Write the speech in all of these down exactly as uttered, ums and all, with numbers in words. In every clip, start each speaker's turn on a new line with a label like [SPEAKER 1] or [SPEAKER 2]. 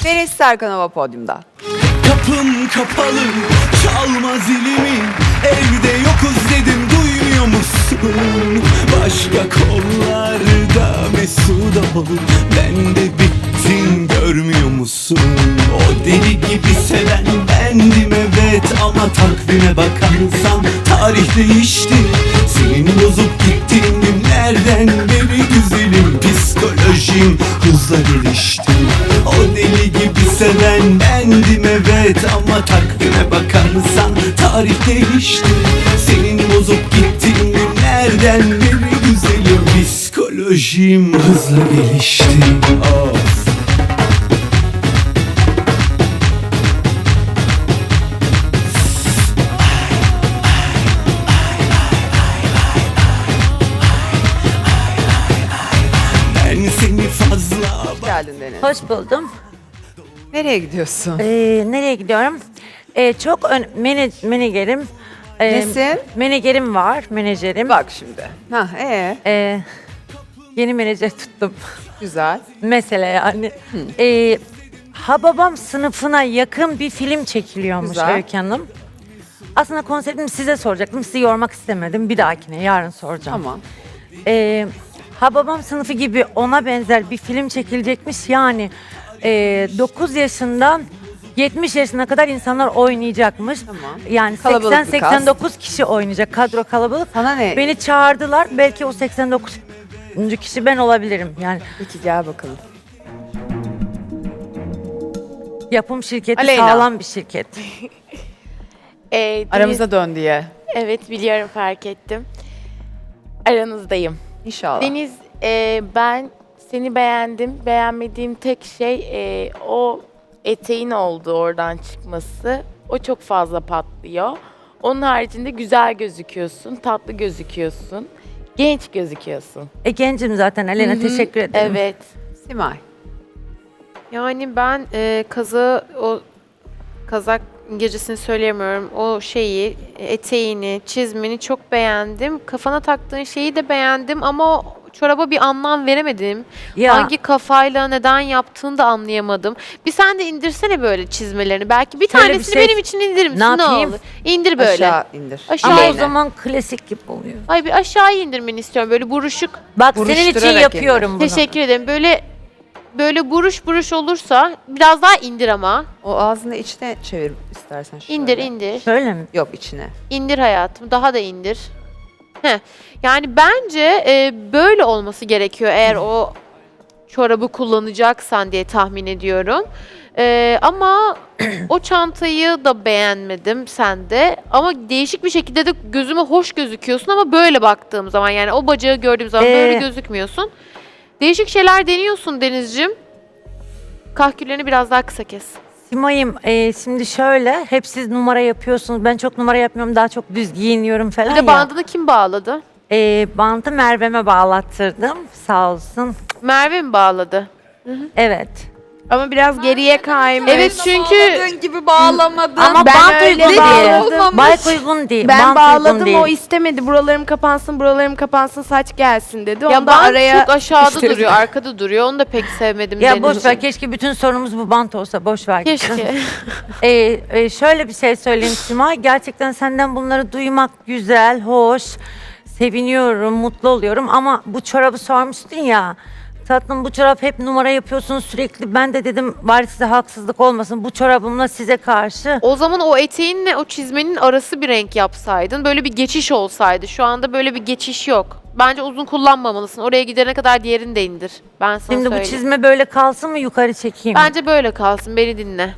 [SPEAKER 1] Deniz Serkanova podyumda.
[SPEAKER 2] Kapım kapalı, çalma zilimi. Evde yokuz dedim, duymuyor musun? Başka kollarda mesut ol. Ben de bittim, görmüyor musun? O deli gibi seven bendim evet, ama takvime bakarsan tarih değişti. Senin bozup gittiğin günlerden beri güzelim, psikolojim hızla gelişti. O deli gibi seven bendim evet, ama takvime bakarsan tarih değişti. Senin bozup gittiğin günlerden beri güzelim, psikolojim hızla gelişti. Of. Ben seni fazla
[SPEAKER 1] Geldin Deniz.
[SPEAKER 3] Hoş buldum.
[SPEAKER 1] Nereye gidiyorsun?
[SPEAKER 3] Ee, nereye gidiyorum? Ee, çok ön, mene, menajerim. Ee,
[SPEAKER 1] Nesin?
[SPEAKER 3] Menajerim var, menajerim.
[SPEAKER 1] Bak şimdi. Ha, ee,
[SPEAKER 3] Ee, yeni menajer tuttum.
[SPEAKER 1] güzel.
[SPEAKER 3] Mesele yani. Ee, Hababam sınıfına yakın bir film çekiliyormuş
[SPEAKER 1] Güzel.
[SPEAKER 3] Öykü Hanım. Aslında konseptimi size soracaktım. Sizi yormak istemedim. Bir dahakine, yarın soracağım.
[SPEAKER 1] Tamam.
[SPEAKER 3] Ee, Hababam sınıfı gibi ona benzer bir film çekilecekmiş. Yani e, dokuz yaşından yetmiş yaşına kadar insanlar oynayacakmış.
[SPEAKER 1] Tamam.
[SPEAKER 3] Yani
[SPEAKER 1] Kalabalık
[SPEAKER 3] seksen
[SPEAKER 1] bir
[SPEAKER 3] seksen dokuz kişi oynayacak. Kadro kalabalık.
[SPEAKER 1] Sana ne?
[SPEAKER 3] Beni çağırdılar. Belki o seksen dokuzuncu kişi ben olabilirim. Yani
[SPEAKER 1] Peki gel bakalım.
[SPEAKER 3] yapım şirketi
[SPEAKER 1] Aleyna.
[SPEAKER 3] sağlam bir şirket.
[SPEAKER 4] Ee, Deniz-
[SPEAKER 1] Aramıza dön diye.
[SPEAKER 4] Evet biliyorum, fark ettim. Aranızdayım.
[SPEAKER 1] İnşallah.
[SPEAKER 4] Deniz, e, ben seni beğendim. Beğenmediğim tek şey e, o eteğin oldu oradan çıkması. O çok fazla patlıyor. Onun haricinde güzel gözüküyorsun, tatlı gözüküyorsun, genç gözüküyorsun.
[SPEAKER 3] E gencim zaten Aleyna, teşekkür ederim.
[SPEAKER 4] Evet.
[SPEAKER 1] Simay.
[SPEAKER 5] Yani ben e, kazı o kazak İngilizcesini söyleyemiyorum. O şeyi, eteğini, çizmeni çok beğendim. Kafana taktığın şeyi de beğendim ama o çoraba bir anlam veremedim.
[SPEAKER 3] Ya,
[SPEAKER 5] Hangi kafayla neden yaptığını da anlayamadım. Bir sen de indirsene böyle çizmelerini. Belki bir
[SPEAKER 3] Şöyle bir
[SPEAKER 5] tanesini
[SPEAKER 3] şey-
[SPEAKER 5] benim için indirir misin?
[SPEAKER 3] Ne yapayım?
[SPEAKER 5] olur? İndir böyle.
[SPEAKER 1] Aşağı indir.
[SPEAKER 5] Aşağı
[SPEAKER 3] ama o
[SPEAKER 5] Aleyna.
[SPEAKER 3] zaman klasik gibi oluyor.
[SPEAKER 5] Ay bir aşağı indirmeni istiyorum. Böyle buruşuk.
[SPEAKER 3] Bak senin için
[SPEAKER 1] Buruşturarak
[SPEAKER 3] yapıyorum bunu.
[SPEAKER 5] Teşekkür ederim. Böyle böyle buruş buruş olursa biraz daha indir ama.
[SPEAKER 1] O ağzını içine çevir istersen şöyle.
[SPEAKER 5] İndir indir.
[SPEAKER 3] Şöyle mi?
[SPEAKER 1] Yok içine.
[SPEAKER 5] İndir hayatım. Daha da indir. Heh. Yani bence e, böyle olması gerekiyor eğer o çorabı kullanacaksan diye tahmin ediyorum. E, ama o çantayı da beğenmedim sende. Ama değişik bir şekilde de gözüme hoş gözüküyorsun ama böyle baktığım zaman, yani o bacağı gördüğüm zaman
[SPEAKER 3] Ee,
[SPEAKER 5] böyle gözükmüyorsun. Değişik şeyler deniyorsun Denizciğim. Kahküllerini biraz daha kısa kes.
[SPEAKER 3] Simay'ım e, şimdi şöyle, hep siz numara yapıyorsunuz. Ben çok numara yapmıyorum, daha çok düz giyiniyorum falan
[SPEAKER 5] Bir
[SPEAKER 3] ya.
[SPEAKER 5] de bandını kim bağladı?
[SPEAKER 3] E, bantı Merve'me bağlattırdım, sağ olsun.
[SPEAKER 5] Merve mi bağladı?
[SPEAKER 3] Evet.
[SPEAKER 6] Ama biraz geriye kaymış.
[SPEAKER 5] Evet çünkü
[SPEAKER 1] gibi bağlamadın.
[SPEAKER 3] Ama
[SPEAKER 6] ben
[SPEAKER 3] bant
[SPEAKER 6] öyle
[SPEAKER 3] uygun değil.
[SPEAKER 1] olmamış.
[SPEAKER 3] Bant uygun değil.
[SPEAKER 6] Ben
[SPEAKER 3] bant
[SPEAKER 6] bağladım,
[SPEAKER 3] uygun değil.
[SPEAKER 6] o istemedi. Buralarım kapansın, buralarım kapansın, saç gelsin dedi.
[SPEAKER 5] ya
[SPEAKER 6] Onu da
[SPEAKER 5] bant
[SPEAKER 6] araya
[SPEAKER 5] çok aşağıda
[SPEAKER 6] sıkıştırdı.
[SPEAKER 5] duruyor, arkada duruyor. Onu da pek sevmedim.
[SPEAKER 3] Ya
[SPEAKER 5] Denizciğim.
[SPEAKER 3] boş ver, keşke bütün sorunumuz bu bant olsa, boş ver. gitsin.
[SPEAKER 5] Keşke.
[SPEAKER 3] Ee, e, şöyle bir şey söyleyeyim Simay, gerçekten senden bunları duymak güzel, hoş, seviniyorum, mutlu oluyorum ama bu çorabı sormuştun ya, tatlım bu çorap hep numara yapıyorsunuz sürekli, ben de dedim bari size haksızlık olmasın, bu çorabımla size karşı.
[SPEAKER 5] O zaman o eteğinle o çizmenin arası bir renk yapsaydın, böyle bir geçiş olsaydı. Şu anda böyle bir geçiş yok. Bence uzun kullanmamalısın. Oraya gidene kadar diğerini de indir. Ben sana
[SPEAKER 3] Şimdi bu
[SPEAKER 5] söyleyeyim.
[SPEAKER 3] çizme böyle kalsın mı, yukarı çekeyim mi?
[SPEAKER 5] Bence böyle kalsın. Beni dinle.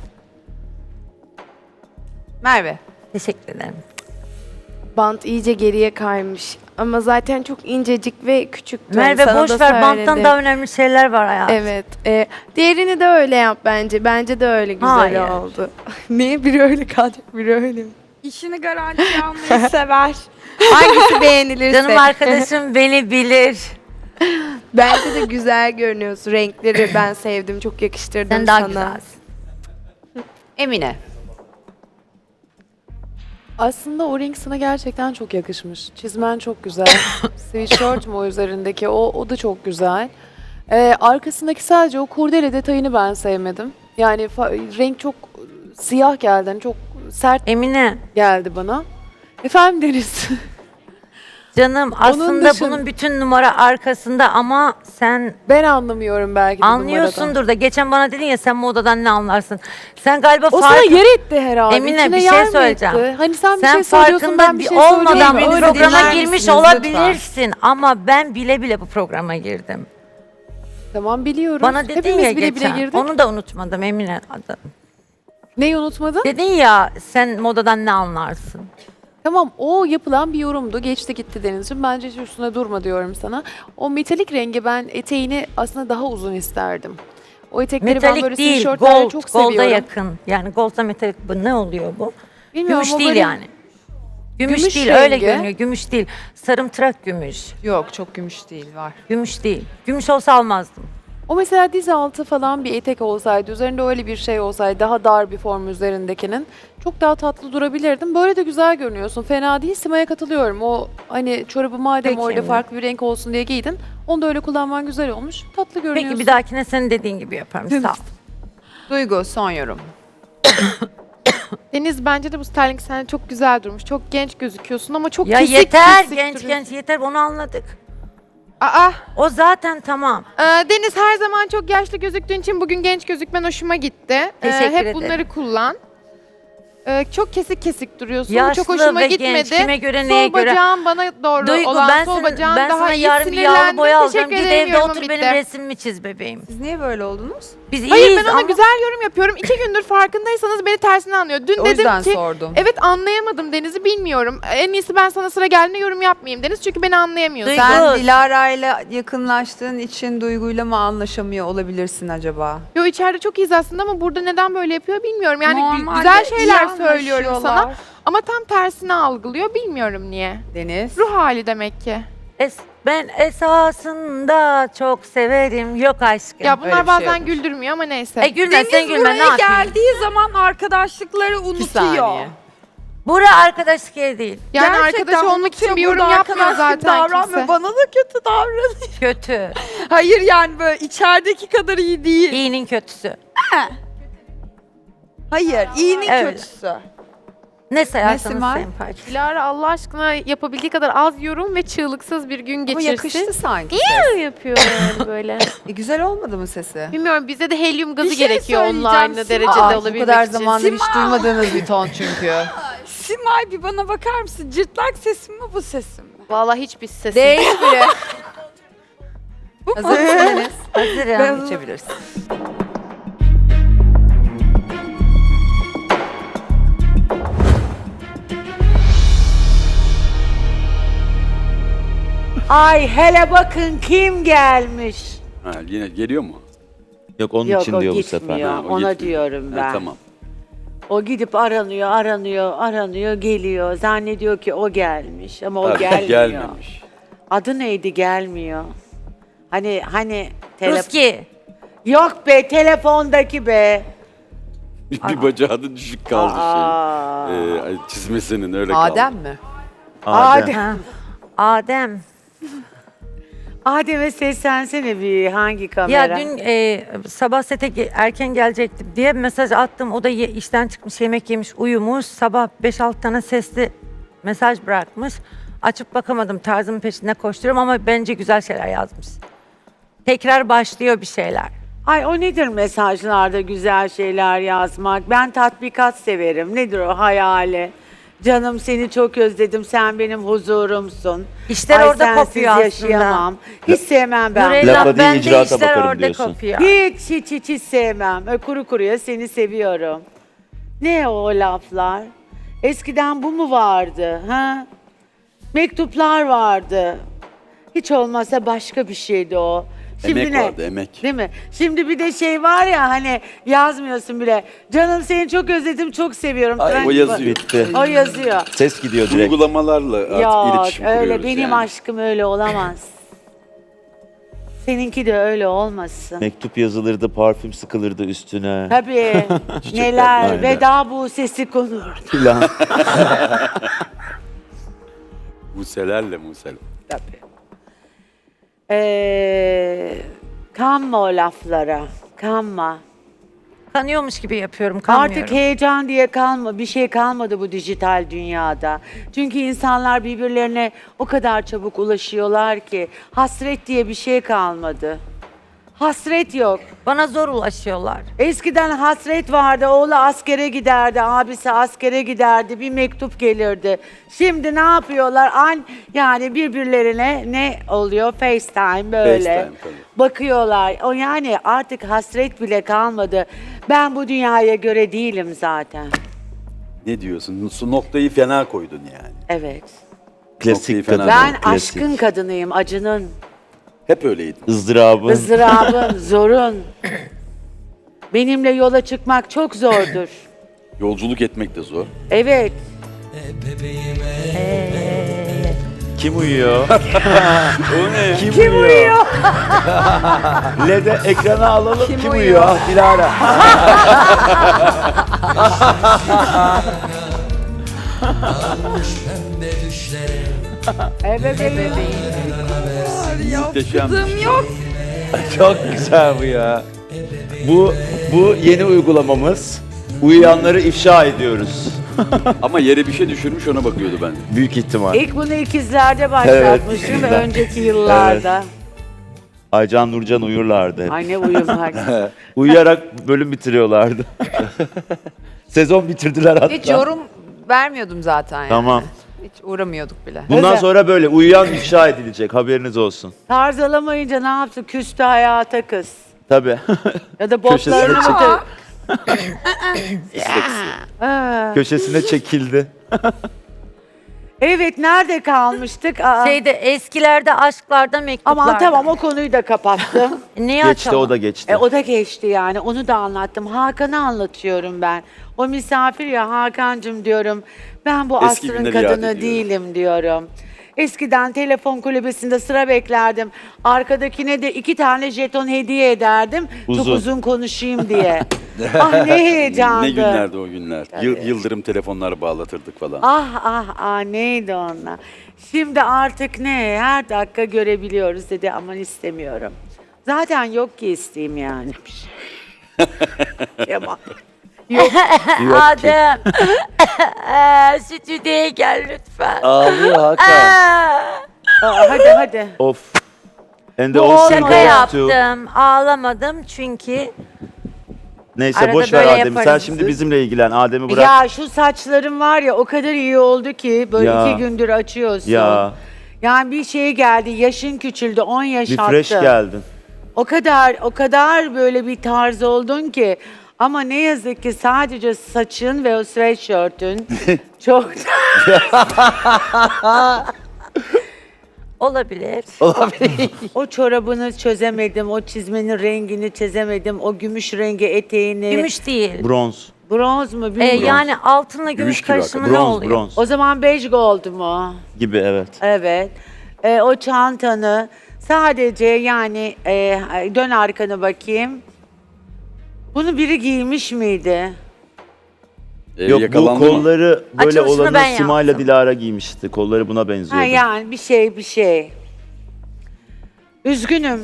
[SPEAKER 1] Merve.
[SPEAKER 3] Teşekkür ederim.
[SPEAKER 6] Bant iyice geriye kaymış. Ama zaten çok incecik ve küçüktü.
[SPEAKER 3] Merve
[SPEAKER 6] Sana
[SPEAKER 3] boş
[SPEAKER 6] da
[SPEAKER 3] ver, banttan
[SPEAKER 6] söyledim.
[SPEAKER 3] daha önemli şeyler var hayatım.
[SPEAKER 6] Evet. E, diğerini de öyle yap bence. Bence de öyle güzel
[SPEAKER 3] Hayır.
[SPEAKER 6] oldu. Niye biri öyle kalacak, biri öyle mi?
[SPEAKER 7] İşini garantiye almayı sever.
[SPEAKER 6] Hangisi beğenilirse.
[SPEAKER 3] Canım arkadaşım beni bilir.
[SPEAKER 6] Bence de güzel görünüyorsun. Renkleri ben sevdim. Çok yakıştırdım
[SPEAKER 3] Sen daha
[SPEAKER 6] sana.
[SPEAKER 3] güzelsin.
[SPEAKER 1] Emine.
[SPEAKER 8] Aslında o renk sana gerçekten çok yakışmış. Çizmen çok güzel. Sweatshirt mu o üzerindeki? O, o da çok güzel. Ee, arkasındaki sadece o kurdele detayını ben sevmedim. Yani fa- renk çok siyah geldi. Hani çok sert
[SPEAKER 3] Emine
[SPEAKER 8] geldi bana. Efendim Deniz.
[SPEAKER 3] canım aslında
[SPEAKER 8] dışın-
[SPEAKER 3] bunun bütün numara arkasında ama sen
[SPEAKER 8] Ben anlamıyorum belki de numaradan.
[SPEAKER 3] anlıyorsundur da geçen bana dedin ya sen modadan ne anlarsın. Sen galiba
[SPEAKER 8] O sana
[SPEAKER 3] fark-
[SPEAKER 8] yer etti herhalde.
[SPEAKER 3] Emine,
[SPEAKER 8] İçine
[SPEAKER 3] bir
[SPEAKER 8] yer
[SPEAKER 3] şey
[SPEAKER 8] mi
[SPEAKER 3] söyleyeceğim.
[SPEAKER 8] etti? Hani sen, bir
[SPEAKER 3] sen
[SPEAKER 8] şey söylüyorsun ben bir
[SPEAKER 3] farkında
[SPEAKER 8] şey
[SPEAKER 3] bir olmadan
[SPEAKER 8] söylüyorum.
[SPEAKER 3] bu
[SPEAKER 8] Öyle
[SPEAKER 3] programa
[SPEAKER 1] dinler
[SPEAKER 3] girmiş
[SPEAKER 1] misiniz
[SPEAKER 3] olabilirsin ama ben bile bile bu programa girdim.
[SPEAKER 8] Tamam biliyorum.
[SPEAKER 3] Bana dedin
[SPEAKER 8] Hepimiz
[SPEAKER 3] ya
[SPEAKER 8] bile
[SPEAKER 3] geçen.
[SPEAKER 8] bile girdik.
[SPEAKER 3] Onu da unutmadım Emine.
[SPEAKER 8] Neyi unutmadın?
[SPEAKER 3] Dedin ya sen modadan ne anlarsın?
[SPEAKER 8] Tamam o yapılan bir yorumdu. Geçti gitti Denizciğim. Bence hiç üstüne durma diyorum sana. O metalik rengi ben eteğini aslında daha uzun isterdim. O etekleri ben böyle
[SPEAKER 3] Metalik değil,
[SPEAKER 8] sweatshirtlerde
[SPEAKER 3] gold,
[SPEAKER 8] çok
[SPEAKER 3] golda
[SPEAKER 8] seviyorum.
[SPEAKER 3] yakın. Yani gold'a metalik bu ne oluyor bu?
[SPEAKER 8] Bilmiyorum,
[SPEAKER 3] Gümüş
[SPEAKER 8] o
[SPEAKER 3] değil
[SPEAKER 8] böyle
[SPEAKER 3] yani. Gümüş,
[SPEAKER 8] gümüş
[SPEAKER 3] değil öyle
[SPEAKER 8] rengi.
[SPEAKER 3] görünüyor. Gümüş değil. Sarımtırak gümüş.
[SPEAKER 1] Yok çok gümüş değil var.
[SPEAKER 3] Gümüş değil. Gümüş olsa almazdım.
[SPEAKER 8] O mesela diz altı falan bir etek olsaydı, üzerinde öyle bir şey olsaydı, daha dar bir form üzerindekinin çok daha tatlı durabilirdim. Böyle de güzel görünüyorsun. Fena değil. Sima'ya katılıyorum. O hani çorabı madem
[SPEAKER 3] Peki
[SPEAKER 8] orada
[SPEAKER 3] Emine.
[SPEAKER 8] farklı bir renk olsun diye giydin. Onu da öyle kullanman güzel olmuş. Tatlı görünüyorsun.
[SPEAKER 3] Peki bir dahakine senin dediğin gibi yaparım. Sağ ol.
[SPEAKER 1] Duygu son yorum.
[SPEAKER 5] Deniz bence de bu styling sende çok güzel durmuş. Çok genç gözüküyorsun ama çok
[SPEAKER 3] Ya
[SPEAKER 5] kesik
[SPEAKER 3] yeter
[SPEAKER 5] kesik
[SPEAKER 3] genç
[SPEAKER 5] duruyorsun.
[SPEAKER 3] genç yeter onu anladık.
[SPEAKER 5] Aa,
[SPEAKER 3] O zaten tamam.
[SPEAKER 5] e, Deniz her zaman çok yaşlı gözüktüğün için bugün genç gözükmen hoşuma gitti. E,
[SPEAKER 3] Teşekkür
[SPEAKER 5] hep
[SPEAKER 3] ederim.
[SPEAKER 5] bunları kullan. E, çok kesik kesik duruyorsun. Bu
[SPEAKER 3] Yaşlı
[SPEAKER 5] çok hoşuma
[SPEAKER 3] ve
[SPEAKER 5] gitmedi.
[SPEAKER 3] genç, kime göre,
[SPEAKER 5] sol
[SPEAKER 3] neye göre?
[SPEAKER 5] bacağın bana doğru
[SPEAKER 3] Duygu
[SPEAKER 5] olan
[SPEAKER 3] ben,
[SPEAKER 5] sol
[SPEAKER 3] sana,
[SPEAKER 5] bacağın
[SPEAKER 3] ben
[SPEAKER 5] daha
[SPEAKER 3] sana
[SPEAKER 5] iyi
[SPEAKER 3] yarın bir yağlı
[SPEAKER 5] sinirlendim.
[SPEAKER 3] boya alacağım.
[SPEAKER 5] Teşekkür
[SPEAKER 3] Git
[SPEAKER 5] ederim,
[SPEAKER 3] evde
[SPEAKER 5] yorumum
[SPEAKER 3] otur
[SPEAKER 5] bitti.
[SPEAKER 3] benim resmimi çiz bebeğim.
[SPEAKER 1] Siz niye böyle oldunuz?
[SPEAKER 3] Biz
[SPEAKER 5] Hayır
[SPEAKER 3] iyiyiz
[SPEAKER 5] ben ona
[SPEAKER 3] ama
[SPEAKER 5] güzel yorum yapıyorum. İki gündür farkındaysanız beni tersine anlıyor. Dün
[SPEAKER 1] O
[SPEAKER 5] dedim
[SPEAKER 1] yüzden
[SPEAKER 5] ki
[SPEAKER 1] sordum.
[SPEAKER 5] evet anlayamadım Deniz'i bilmiyorum. En iyisi ben sana sıra geldiğinde yorum yapmayayım Deniz çünkü beni anlayamıyorsun.
[SPEAKER 3] Duygu-
[SPEAKER 1] Sen Dilara'yla yakınlaştığın için Duygu'yla mı anlaşamıyor olabilirsin acaba?
[SPEAKER 5] Yo içeride çok iyiyiz aslında ama burada neden böyle yapıyor bilmiyorum. Yani gü-
[SPEAKER 7] Normalde
[SPEAKER 5] güzel
[SPEAKER 7] iyi
[SPEAKER 5] şeyler söylüyorum sana
[SPEAKER 7] anlaşıyorlar.
[SPEAKER 5] ama tam tersini algılıyor bilmiyorum niye.
[SPEAKER 1] Deniz.
[SPEAKER 5] Ruh hali demek ki.
[SPEAKER 3] es- ben esasında çok severim. Yok aşkım.
[SPEAKER 5] Ya
[SPEAKER 1] öyle
[SPEAKER 5] bunlar
[SPEAKER 1] bir şey
[SPEAKER 5] bazen
[SPEAKER 1] yokmuş.
[SPEAKER 5] güldürmüyor ama neyse.
[SPEAKER 3] E gülme
[SPEAKER 7] Deniz
[SPEAKER 3] sen gülme ne
[SPEAKER 7] buraya
[SPEAKER 3] yapayım?
[SPEAKER 7] geldiği zaman arkadaşlıkları
[SPEAKER 1] İki
[SPEAKER 7] unutuyor.
[SPEAKER 1] saniye.
[SPEAKER 3] Bura arkadaşlık yeri değil.
[SPEAKER 5] yani
[SPEAKER 7] Gerçekten
[SPEAKER 5] arkadaş olmak için
[SPEAKER 7] unutuyor,
[SPEAKER 5] bir yorum
[SPEAKER 7] burada
[SPEAKER 5] yapmıyor
[SPEAKER 7] arkadaşlık
[SPEAKER 5] zaten
[SPEAKER 7] davranmıyor.
[SPEAKER 5] kimse.
[SPEAKER 7] Bana da kötü davranıyor.
[SPEAKER 3] Kötü.
[SPEAKER 7] Hayır yani böyle içerideki kadar iyi değil.
[SPEAKER 3] İyinin kötüsü.
[SPEAKER 7] Hayır, iyinin
[SPEAKER 3] Evet.
[SPEAKER 7] kötüsü.
[SPEAKER 3] Ne sayarsanız
[SPEAKER 1] Simay?
[SPEAKER 3] sayın parça.
[SPEAKER 5] Dilara Allah aşkına yapabildiği kadar az yorum ve çığlıksız bir gün
[SPEAKER 1] Ama
[SPEAKER 5] geçirsin.
[SPEAKER 1] yakıştı sanki.
[SPEAKER 5] Niye yapıyor yani böyle?
[SPEAKER 1] E, güzel olmadı mı sesi?
[SPEAKER 5] Bilmiyorum bize de helyum gazı
[SPEAKER 7] Bir şey
[SPEAKER 5] gerekiyor onunla
[SPEAKER 7] söyleyeceğim,
[SPEAKER 5] aynı
[SPEAKER 7] Simay.
[SPEAKER 5] derecede
[SPEAKER 1] Aa, bu
[SPEAKER 5] olabilmek
[SPEAKER 1] kadar
[SPEAKER 5] için.
[SPEAKER 1] zamandır hiç
[SPEAKER 7] Simay.
[SPEAKER 1] duymadığınız bir ton çünkü.
[SPEAKER 7] Simay bir bana bakar mısın? Cırtlak sesim mi bu sesim mi?
[SPEAKER 5] Vallahi hiçbir sesim.
[SPEAKER 1] Değil bile. Hazır mısın Deniz?
[SPEAKER 3] Hazırım.
[SPEAKER 1] Geçebilirsin.
[SPEAKER 9] Ay hele bakın kim gelmiş.
[SPEAKER 10] Ha, yine geliyor mu?
[SPEAKER 11] Yok onun
[SPEAKER 9] Yok
[SPEAKER 11] için
[SPEAKER 9] o
[SPEAKER 11] diyor bu
[SPEAKER 9] gitmiyor.
[SPEAKER 11] sefer.
[SPEAKER 10] Ha, o
[SPEAKER 9] Ona
[SPEAKER 10] gitmiyor.
[SPEAKER 9] diyorum ben.
[SPEAKER 10] Ha, tamam.
[SPEAKER 9] O gidip aranıyor, aranıyor, aranıyor, geliyor. Zannediyor ki o gelmiş ama o
[SPEAKER 10] Ha,
[SPEAKER 9] gelmiyor.
[SPEAKER 10] gelmemiş.
[SPEAKER 9] Adı neydi gelmiyor. Hani hani tele-
[SPEAKER 3] Ruski.
[SPEAKER 9] Yok be telefondaki be.
[SPEAKER 10] Bir, bir bacağı da düşük kaldı
[SPEAKER 9] Aa.
[SPEAKER 10] şey. Ee, ay, çizmesinin öyle kaldı.
[SPEAKER 1] Adem mi?
[SPEAKER 9] Adem.
[SPEAKER 3] Ha. Adem.
[SPEAKER 9] Adem'e seslensene bir hangi kamera?
[SPEAKER 3] Ya dün e, sabah sete ge- erken gelecektim diye mesaj attım. O da ye- işten çıkmış, yemek yemiş, uyumuş. Sabah beş altı tane sesli mesaj bırakmış. Açıp bakamadım. Tarzımın peşinde koşturuyorum ama bence güzel şeyler yazmış. Tekrar başlıyor bir şeyler.
[SPEAKER 9] Ay o nedir mesajlarda güzel şeyler yazmak? Ben tatbikat severim. Nedir o hayali? Canım seni çok özledim. Sen benim huzurumsun.
[SPEAKER 3] İşler
[SPEAKER 9] Ay,
[SPEAKER 3] orada
[SPEAKER 9] sensiz
[SPEAKER 3] kopuyor aslında.
[SPEAKER 9] yaşayamam. Hiç sevmem ben.
[SPEAKER 3] Nurella,
[SPEAKER 11] Lafa değil,
[SPEAKER 3] ben de
[SPEAKER 11] icraata
[SPEAKER 3] işler
[SPEAKER 11] bakarım
[SPEAKER 3] orada
[SPEAKER 11] diyorsun.
[SPEAKER 3] kopuyor.
[SPEAKER 9] Hiç hiç hiç hiç sevmem. Ö, Kuru kuruya seni seviyorum. Ne o laflar? Eskiden bu mu vardı? Ha? Mektuplar vardı. Hiç olmazsa başka bir şeydi o. Şimdi
[SPEAKER 10] Emek
[SPEAKER 9] ne?
[SPEAKER 10] vardı, emek.
[SPEAKER 9] Değil mi? Şimdi bir de şey var ya hani yazmıyorsun bile. Canım seni çok özledim, çok seviyorum.
[SPEAKER 10] Ay,
[SPEAKER 9] Ben-
[SPEAKER 10] o yazıyor.
[SPEAKER 11] Bitti.
[SPEAKER 9] O yazıyor.
[SPEAKER 11] Ses gidiyor direkt.
[SPEAKER 10] Uygulamalarla artık
[SPEAKER 9] Yok
[SPEAKER 10] iletişim
[SPEAKER 9] öyle
[SPEAKER 10] kuruyoruz
[SPEAKER 9] benim
[SPEAKER 10] yani.
[SPEAKER 9] aşkım öyle olamaz. Seninki de öyle olmasın.
[SPEAKER 11] Mektup yazılırdı, parfüm sıkılırdı üstüne.
[SPEAKER 9] Tabii
[SPEAKER 10] Çiçekler,
[SPEAKER 9] neler
[SPEAKER 11] aynen.
[SPEAKER 9] veda bu sesi konurdu.
[SPEAKER 11] Filan.
[SPEAKER 10] Muselerle musel.
[SPEAKER 9] Tabii. Ee, Kanma o laflara. Kanma.
[SPEAKER 3] Kanıyormuş gibi yapıyorum, kanmıyorum.
[SPEAKER 9] Artık heyecan diye kalma, bir şey kalmadı bu dijital dünyada. Çünkü insanlar birbirlerine o kadar çabuk ulaşıyorlar ki hasret diye bir şey kalmadı. Hasret yok.
[SPEAKER 3] Bana zor ulaşıyorlar.
[SPEAKER 9] Eskiden hasret vardı, oğlu askere giderdi, abisi askere giderdi, bir mektup gelirdi. Şimdi ne yapıyorlar? An yani birbirlerine ne oluyor? FaceTime böyle.
[SPEAKER 10] FaceTime, tabii.
[SPEAKER 9] Bakıyorlar. O yani artık hasret bile kalmadı. Ben bu dünyaya göre değilim zaten.
[SPEAKER 10] Ne diyorsun? Su noktayı fena koydun yani.
[SPEAKER 9] Evet.
[SPEAKER 11] Klasik
[SPEAKER 10] Noktayı fena
[SPEAKER 11] kadın.
[SPEAKER 9] Ben
[SPEAKER 11] klasik.
[SPEAKER 9] aşkın kadınıyım, acının,
[SPEAKER 10] Hep öyleydin.
[SPEAKER 11] ızdırabın.
[SPEAKER 9] ızdırabın, zorun. Benimle yola çıkmak çok zordur.
[SPEAKER 10] Yolculuk etmek de zor.
[SPEAKER 9] Evet.
[SPEAKER 11] Kim uyuyor?
[SPEAKER 10] O ne?
[SPEAKER 11] Kim, uyuyor? L E D ekrana alalım. Kim, uyuyor? Ah, Dilara.
[SPEAKER 9] Evet, evet.
[SPEAKER 10] Muhteşem.
[SPEAKER 7] Kızım yok.
[SPEAKER 11] Çok güzel bu ya. Bu bu yeni uygulamamız. Uyuyanları ifşa ediyoruz.
[SPEAKER 10] Ama yere bir şey düşürmüş ona bakıyordu ben.
[SPEAKER 11] Büyük ihtimal.
[SPEAKER 9] İlk bunu ikizlerde başlatmıştım
[SPEAKER 11] ikizler.
[SPEAKER 9] önceki yıllarda.
[SPEAKER 11] Aycan Nurcan uyurlardı hep.
[SPEAKER 9] Ay ne uyumak.
[SPEAKER 11] Uyuyarak bölüm bitiriyorlardı. Sezon bitirdiler hatta.
[SPEAKER 1] Hiç yorum vermiyordum zaten yani.
[SPEAKER 11] Tamam.
[SPEAKER 1] Hiç uğramıyorduk bile.
[SPEAKER 11] Bundan
[SPEAKER 9] Özel.
[SPEAKER 11] sonra böyle uyuyan ifşa edilecek, haberiniz olsun.
[SPEAKER 9] Tarz alamayınca ne yaptı? Küstü hayata kız.
[SPEAKER 11] Tabii.
[SPEAKER 9] Ya da
[SPEAKER 11] Köşesine
[SPEAKER 9] botlarını
[SPEAKER 11] çek-
[SPEAKER 9] mı?
[SPEAKER 10] İsleksi.
[SPEAKER 9] Ha.
[SPEAKER 11] Köşesine çekildi.
[SPEAKER 9] Evet, nerede kalmıştık? Aa.
[SPEAKER 3] Şeyde eskilerde aşklarda mektuplarda.
[SPEAKER 9] Aman tamam, o konuyu da kapattım.
[SPEAKER 3] Niye
[SPEAKER 11] Geçti
[SPEAKER 3] açalım?
[SPEAKER 11] o da geçti.
[SPEAKER 9] e, o da geçti yani, onu da anlattım. Hakan'ı anlatıyorum ben. O misafir ya, Hakan'cığım diyorum. Ben bu
[SPEAKER 10] Eski
[SPEAKER 9] asrın
[SPEAKER 10] günleri yad
[SPEAKER 9] kadını
[SPEAKER 10] ediyorum.
[SPEAKER 9] değilim diyorum. Eskiden telefon kulübesinde sıra beklerdim. Arkadakine de iki tane jeton hediye ederdim. Çok
[SPEAKER 11] Uzun.
[SPEAKER 9] uzun konuşayım diye. Ah ne heyecandı.
[SPEAKER 10] Ne günlerdi o günler. Yıl-
[SPEAKER 9] Tabii.
[SPEAKER 10] yıldırım telefonlar bağlatırdık falan.
[SPEAKER 9] Ah ah ah, neydi onlar. Şimdi artık ne, her dakika görebiliyoruz dedi, aman istemiyorum. Zaten yok ki isteyeyim yani. Kemal.
[SPEAKER 11] Yok ki.
[SPEAKER 3] Adem. Eee, Stüdyoya gel lütfen.
[SPEAKER 11] Ağlıyor Hakan.
[SPEAKER 9] Aa, hadi hadi.
[SPEAKER 11] Of. And the
[SPEAKER 9] Bu
[SPEAKER 11] all
[SPEAKER 3] Şaka
[SPEAKER 11] goes to-
[SPEAKER 3] yaptım. Ağlamadım çünkü
[SPEAKER 11] Neyse
[SPEAKER 3] Arada
[SPEAKER 11] boş ver
[SPEAKER 3] böyle
[SPEAKER 11] Adem'i. Sen
[SPEAKER 3] yaparız.
[SPEAKER 11] şimdi bizimle ilgilen. Adem'i bırak.
[SPEAKER 9] Ya şu saçlarım var ya, o kadar iyi oldu ki böyle
[SPEAKER 11] Ya.
[SPEAKER 9] iki gündür açıyorsun.
[SPEAKER 11] Ya.
[SPEAKER 9] Yani bir şey geldi, yaşın küçüldü, on yaş
[SPEAKER 11] Bir
[SPEAKER 9] attı.
[SPEAKER 11] fresh geldin.
[SPEAKER 9] O kadar o kadar böyle bir tarz oldun ki, ama ne yazık ki sadece saçın ve o sweatshirt'ün çok
[SPEAKER 3] olabilir.
[SPEAKER 9] o çorabını çözemedim, o çizmenin rengini çözemedim, o gümüş rengi eteğini.
[SPEAKER 3] Gümüş değil.
[SPEAKER 11] Bronz.
[SPEAKER 9] Bronz mu
[SPEAKER 3] Ee,
[SPEAKER 9] bilmiyorum.
[SPEAKER 3] yani altınla gümüş,
[SPEAKER 10] Gümüş gibi
[SPEAKER 3] karışımı ne
[SPEAKER 11] Bronz,
[SPEAKER 3] oluyor?
[SPEAKER 11] bronz.
[SPEAKER 9] O zaman beige gold mu?
[SPEAKER 11] Gibi evet.
[SPEAKER 9] Evet. Ee, o çantanı sadece yani e, dön arkanı bakayım. Bunu biri giymiş miydi?
[SPEAKER 10] Ee,
[SPEAKER 11] Yok bu
[SPEAKER 10] yakalandı mı?
[SPEAKER 11] kolları böyle
[SPEAKER 3] Açılışını
[SPEAKER 11] olanı
[SPEAKER 3] ben
[SPEAKER 11] Sima'yla
[SPEAKER 3] yaptım.
[SPEAKER 11] Dilara giymişti. Kolları buna benziyordu.
[SPEAKER 9] Ha yani bir şey bir şey. Üzgünüm.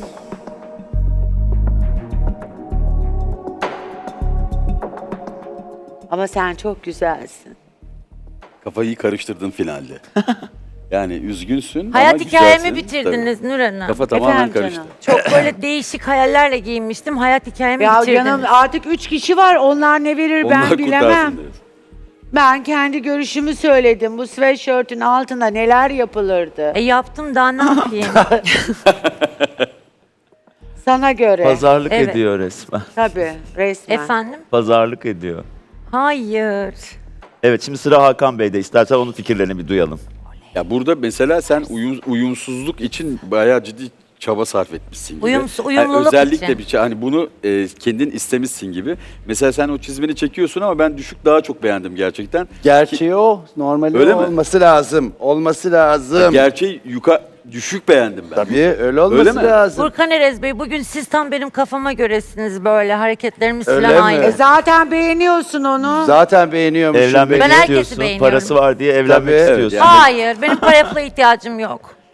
[SPEAKER 9] Ama sen çok güzelsin.
[SPEAKER 10] Kafayı karıştırdın finalde. Yani üzgünsün
[SPEAKER 3] Hayat
[SPEAKER 10] ama
[SPEAKER 3] hikayemi
[SPEAKER 10] güzelsin.
[SPEAKER 3] bitirdiniz Nur Hanım.
[SPEAKER 10] Tabii. Kafa tamamen
[SPEAKER 9] Efendim
[SPEAKER 10] karıştı.
[SPEAKER 9] canım.
[SPEAKER 3] Çok böyle değişik hayallerle giyinmiştim. Hayat hikayemi
[SPEAKER 9] Ya
[SPEAKER 3] bitirdiniz.
[SPEAKER 9] canım, artık üç kişi var. Onlar ne verir ben
[SPEAKER 10] Onlar
[SPEAKER 9] bilemem.
[SPEAKER 10] kurtarsın diyorsun.
[SPEAKER 9] Ben kendi görüşümü söyledim. Bu sweatshirt'ün altında neler yapılırdı?
[SPEAKER 3] E yaptım, daha ne yapayım?
[SPEAKER 9] Sana göre.
[SPEAKER 11] Pazarlık
[SPEAKER 3] Evet.
[SPEAKER 11] ediyor resmen.
[SPEAKER 9] Tabii, resmen.
[SPEAKER 3] Efendim?
[SPEAKER 11] Pazarlık ediyor.
[SPEAKER 3] Hayır.
[SPEAKER 11] Evet şimdi sıra Hakan Bey'de. İstersen onun fikirlerini bir duyalım.
[SPEAKER 10] Ya burada mesela sen uyum, uyumsuzluk için bayağı ciddi çaba sarf etmişsin gibi.
[SPEAKER 3] Uyums-
[SPEAKER 10] Yani
[SPEAKER 3] uyumluluk
[SPEAKER 10] özellikle
[SPEAKER 3] için.
[SPEAKER 10] bir şey, hani bunu e, kendin istemişsin gibi. Mesela sen o çizmeni çekiyorsun ama ben düşük daha çok beğendim gerçekten.
[SPEAKER 12] Gerçeği o. Normali
[SPEAKER 10] Öyle
[SPEAKER 12] o
[SPEAKER 10] mi?
[SPEAKER 12] olması lazım. Olması lazım.
[SPEAKER 10] Gerçeği yuka düşük beğendim ben.
[SPEAKER 12] Tabii öyle olması
[SPEAKER 10] Öyle mi?
[SPEAKER 12] lazım.
[SPEAKER 3] Furkan Erez Bey, bugün siz tam benim kafama göresiniz böyle. Hareketlerimiz
[SPEAKER 12] Öyle
[SPEAKER 3] falan
[SPEAKER 12] mi?
[SPEAKER 3] aynı.
[SPEAKER 9] E zaten beğeniyorsun onu.
[SPEAKER 12] Zaten beğeniyormuşum.
[SPEAKER 11] Evlenmek
[SPEAKER 3] Ben herkesi
[SPEAKER 11] istiyorsun.
[SPEAKER 3] beğeniyorum.
[SPEAKER 11] Parası var diye evlenmek
[SPEAKER 12] Tabii.
[SPEAKER 11] istiyorsun.
[SPEAKER 10] Evet, yani-
[SPEAKER 3] Hayır, benim paraya pula ihtiyacım yok.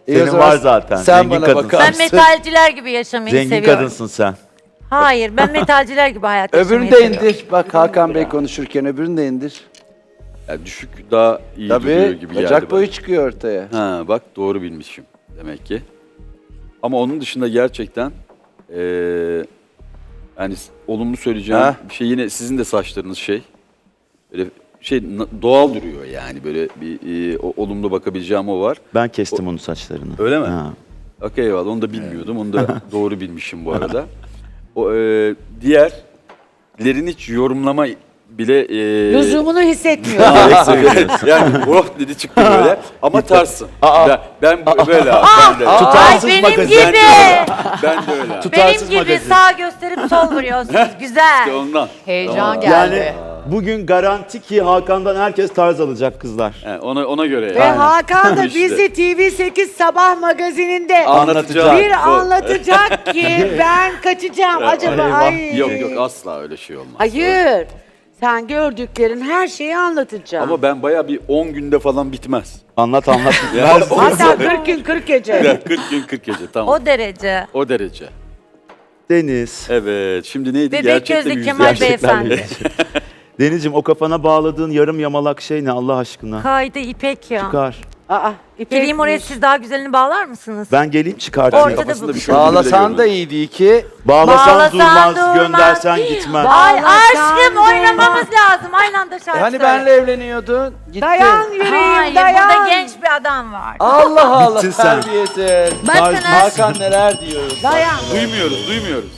[SPEAKER 12] İyi o
[SPEAKER 11] Senin
[SPEAKER 12] zaman
[SPEAKER 11] var zaten.
[SPEAKER 12] Sen
[SPEAKER 11] Zengin
[SPEAKER 12] bana
[SPEAKER 11] kadınsın.
[SPEAKER 12] bakar
[SPEAKER 3] Ben
[SPEAKER 12] mısın?
[SPEAKER 3] metalciler gibi yaşamayı
[SPEAKER 11] Zengin
[SPEAKER 3] seviyorum.
[SPEAKER 11] kadınsın sen.
[SPEAKER 3] Hayır, ben metalciler gibi hayat yaşamayı
[SPEAKER 12] Öbürünü de
[SPEAKER 3] seviyorum.
[SPEAKER 12] indir. Bak Hakan Bey konuşurken öbürünü de indir.
[SPEAKER 10] Yani düşük daha iyi duruyor
[SPEAKER 12] Tabii
[SPEAKER 10] gibi geldi
[SPEAKER 12] bacak
[SPEAKER 10] bana.
[SPEAKER 12] boyu çıkıyor ortaya.
[SPEAKER 10] Ha bak doğru bilmişim demek ki. Ama onun dışında gerçekten eee yani s- olumlu söyleyeceğim
[SPEAKER 12] Ha?
[SPEAKER 10] bir şey yine sizin de saçlarınız şey böyle şey na- doğal duruyor yani böyle bir eee, o- olumlu bakabileceğim o var.
[SPEAKER 11] Ben kestim onun saçlarını.
[SPEAKER 10] Öyle mi?
[SPEAKER 11] Ha.
[SPEAKER 10] Okey eyvallah onu da bilmiyordum. Onu da doğru bilmişim bu arada. O eee diğerlerin hiç yorumlama bile eee
[SPEAKER 9] Lüzumunu hissetmiyorum.
[SPEAKER 10] Aa, seviyorum. Yani oh dedi çıktı böyle ama tarsın. Ben, ben bu- böyle abi, ben de.
[SPEAKER 3] Ay
[SPEAKER 11] Tutarsız
[SPEAKER 3] benim
[SPEAKER 11] magazin.
[SPEAKER 3] gibi.
[SPEAKER 10] Ben de öyle. abi.
[SPEAKER 3] Benim gibi sağ gösterip sol vuruyorsunuz. Güzel.
[SPEAKER 10] İşte ondan.
[SPEAKER 1] Heyecan geldi.
[SPEAKER 11] Yani bugün garanti ki Hakan'dan herkes tarz alacak kızlar.
[SPEAKER 10] He, ona ona göre.
[SPEAKER 9] Ve
[SPEAKER 10] yani.
[SPEAKER 9] Hakan da
[SPEAKER 10] İşte.
[SPEAKER 9] bizi T V sekiz sabah magazininde
[SPEAKER 10] Anlatacağım.
[SPEAKER 9] bir
[SPEAKER 10] Bu-
[SPEAKER 9] anlatacak ki ben kaçacağım. Acaba
[SPEAKER 11] eyvah.
[SPEAKER 9] ay.
[SPEAKER 10] Yok yok asla öyle şey olmaz.
[SPEAKER 9] Hayır. Sen gördüklerin her şeyi anlatacağım.
[SPEAKER 10] Ama ben bayağı bir on günde falan bitmez.
[SPEAKER 11] Anlat anlat.
[SPEAKER 10] Ya,
[SPEAKER 11] Ver-
[SPEAKER 9] Hatta kırk gün kırk gece.
[SPEAKER 10] Ya, kırk gün kırk gece tamam.
[SPEAKER 3] O derece.
[SPEAKER 10] O derece.
[SPEAKER 11] Deniz.
[SPEAKER 10] Evet. Şimdi neydi?
[SPEAKER 3] Bebek
[SPEAKER 10] Gerçekten
[SPEAKER 3] gözlü
[SPEAKER 10] yüzde.
[SPEAKER 3] Kemal
[SPEAKER 11] Gerçekten
[SPEAKER 3] Beyefendi.
[SPEAKER 11] Denizciğim o kafana bağladığın yarım yamalak şey ne Allah aşkına?
[SPEAKER 3] Kaydı İpek ya.
[SPEAKER 11] Çıkar.
[SPEAKER 9] Aa, İpek
[SPEAKER 3] Geleyim oraya
[SPEAKER 9] miş.
[SPEAKER 3] siz daha güzelini bağlar mısınız?
[SPEAKER 11] Ben geleyim çıkartayım.
[SPEAKER 3] Ortada
[SPEAKER 10] Kafasında
[SPEAKER 3] bu.
[SPEAKER 10] bir şey olduğunu bile
[SPEAKER 12] Bağlasan da
[SPEAKER 10] görmedim.
[SPEAKER 12] iyiydi ki.
[SPEAKER 11] Bağlasan,
[SPEAKER 3] Bağlasan
[SPEAKER 11] durmaz,
[SPEAKER 3] durmaz.
[SPEAKER 11] göndersen gitmez.
[SPEAKER 3] Ay
[SPEAKER 9] Bağlasan
[SPEAKER 3] aşkım
[SPEAKER 9] durmaz.
[SPEAKER 3] oynamamız lazım. Aynı anda şarkı
[SPEAKER 12] E hani
[SPEAKER 3] söyle.
[SPEAKER 12] benle evleniyordun. Gittin.
[SPEAKER 9] Dayan yüreğim
[SPEAKER 3] Hayır
[SPEAKER 9] dayan.
[SPEAKER 3] burada genç bir adam var.
[SPEAKER 12] Allah Allah
[SPEAKER 11] Bittin sen.
[SPEAKER 12] terbiyesiz.
[SPEAKER 3] Bakın
[SPEAKER 12] Hakan neler diyor.
[SPEAKER 9] Dayan.
[SPEAKER 10] Duymuyoruz, duymuyoruz.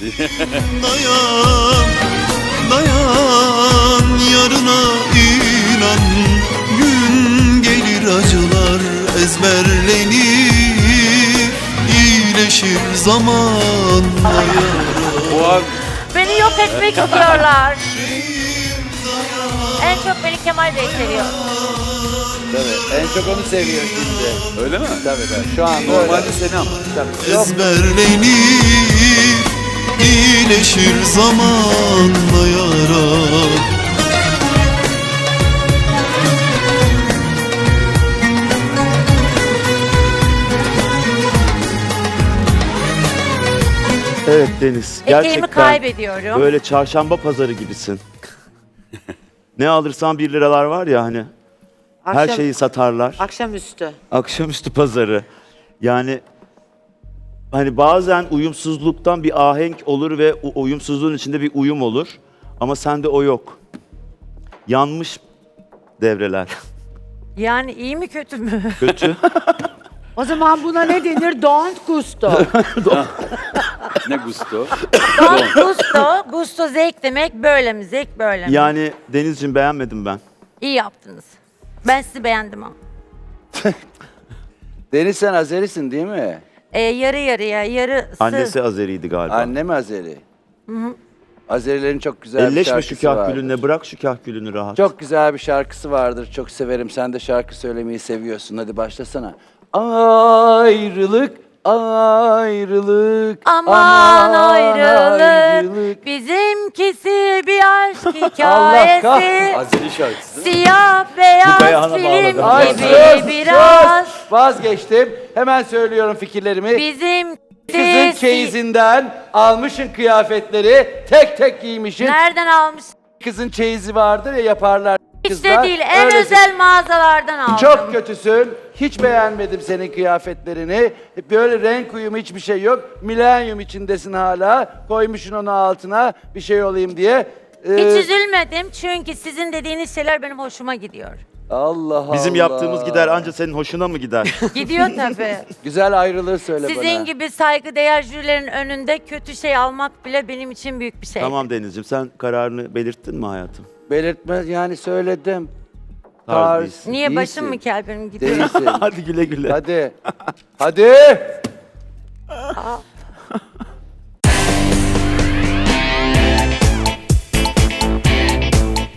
[SPEAKER 2] Dayan, dayan yarına inan. Gün gelir acılar ezberlenir. İyileşir zamanla yara.
[SPEAKER 10] Bu an
[SPEAKER 3] beni yok etmek istiyorlar. En çok beni Kemal Bey seviyor.
[SPEAKER 12] Tabii. En çok onu seviyor şimdi.
[SPEAKER 10] öyle mi?
[SPEAKER 12] Tabii tabii. Şu an
[SPEAKER 10] Normalde seni ama.
[SPEAKER 2] Ezberlenir. İyileşir zamanla yara.
[SPEAKER 11] Evet Deniz.
[SPEAKER 3] Eteğimi
[SPEAKER 11] Gerçekten
[SPEAKER 3] kaybediyorum.
[SPEAKER 11] böyle çarşamba pazarı gibisin. Ne alırsan bir liralar var ya hani. Her
[SPEAKER 9] Akşam-
[SPEAKER 11] şeyi satarlar.
[SPEAKER 9] Akşamüstü.
[SPEAKER 11] Akşamüstü pazarı. Yani hani bazen uyumsuzluktan bir ahenk olur ve o uyumsuzluğun içinde bir uyum olur. Ama sende o yok. Yanmış devreler.
[SPEAKER 3] Yani iyi mi kötü mü?
[SPEAKER 11] Kötü.
[SPEAKER 9] O zaman buna ne denir? Don't gusto.
[SPEAKER 10] Ne gusto.
[SPEAKER 3] Don gusto, gusto zevk demek böyle mi? Zevk böyle mi?
[SPEAKER 11] Yani Denizciğim beğenmedim ben.
[SPEAKER 3] İyi yaptınız. Ben sizi beğendim ama.
[SPEAKER 12] Deniz sen Azerisin değil mi?
[SPEAKER 3] Ee, yarı yarıya, yarısı.
[SPEAKER 11] Annesi Azeriydi galiba.
[SPEAKER 12] Anne mi Azeri? Azerilerin çok güzel bir
[SPEAKER 11] Elleşme
[SPEAKER 12] şarkısı
[SPEAKER 11] şu kahkülünle,
[SPEAKER 12] vardır.
[SPEAKER 11] külünle, bırak şu kahkülünü rahat.
[SPEAKER 12] Çok güzel bir şarkısı vardır. Çok severim. Sen de şarkı söylemeyi seviyorsun. Hadi başlasana. Ayrılık, ayrılık.
[SPEAKER 3] Aman ayrılık, bizimkisi bir aşk
[SPEAKER 12] Allah
[SPEAKER 3] hikayesi.
[SPEAKER 12] kahretsin.
[SPEAKER 10] Azeri şarkısı değil mi?
[SPEAKER 3] Siyah
[SPEAKER 11] Bu
[SPEAKER 3] beyaz
[SPEAKER 11] kayağına
[SPEAKER 3] film
[SPEAKER 11] bağladım.
[SPEAKER 12] Ay,
[SPEAKER 3] gibi
[SPEAKER 12] sus,
[SPEAKER 3] biraz.
[SPEAKER 12] sus. Vazgeçtim. Hemen söylüyorum fikirlerimi.
[SPEAKER 3] Bizim
[SPEAKER 12] Kızın çeyizinden almışın kıyafetleri. Tek tek giymişin.
[SPEAKER 3] Nereden almış?
[SPEAKER 12] Kızın çeyizi vardır ya yaparlar
[SPEAKER 3] Hiç
[SPEAKER 12] kızlar.
[SPEAKER 3] de değil, en
[SPEAKER 12] Öyle-
[SPEAKER 3] özel mağazalardan aldım.
[SPEAKER 12] Çok kötüsün. Hiç beğenmedim senin kıyafetlerini. Böyle renk uyumu hiçbir şey yok. Milenyum içindesin hala. Koymuşsun onu altına bir şey olayım diye. Ee,
[SPEAKER 3] Hiç üzülmedim çünkü sizin dediğiniz şeyler benim hoşuma gidiyor.
[SPEAKER 12] Allah Allah.
[SPEAKER 11] Bizim yaptığımız gider anca senin hoşuna mı gider?
[SPEAKER 3] Gidiyor tabii.
[SPEAKER 12] Güzel ayrılığı söyle bana.
[SPEAKER 3] Sizin gibi saygıdeğer jürilerin önünde kötü şey almak bile benim için büyük bir şey.
[SPEAKER 11] Tamam Denizciğim sen kararını belirttin mi hayatım?
[SPEAKER 12] Belirtme yani söyledim.
[SPEAKER 11] Tarz
[SPEAKER 12] Tarz.
[SPEAKER 11] değilsin.
[SPEAKER 3] Niye
[SPEAKER 12] değilsin.
[SPEAKER 3] başım mı kel benim gidiyor?
[SPEAKER 12] Değilsin.
[SPEAKER 11] Hadi güle güle.
[SPEAKER 12] Hadi. Hadi.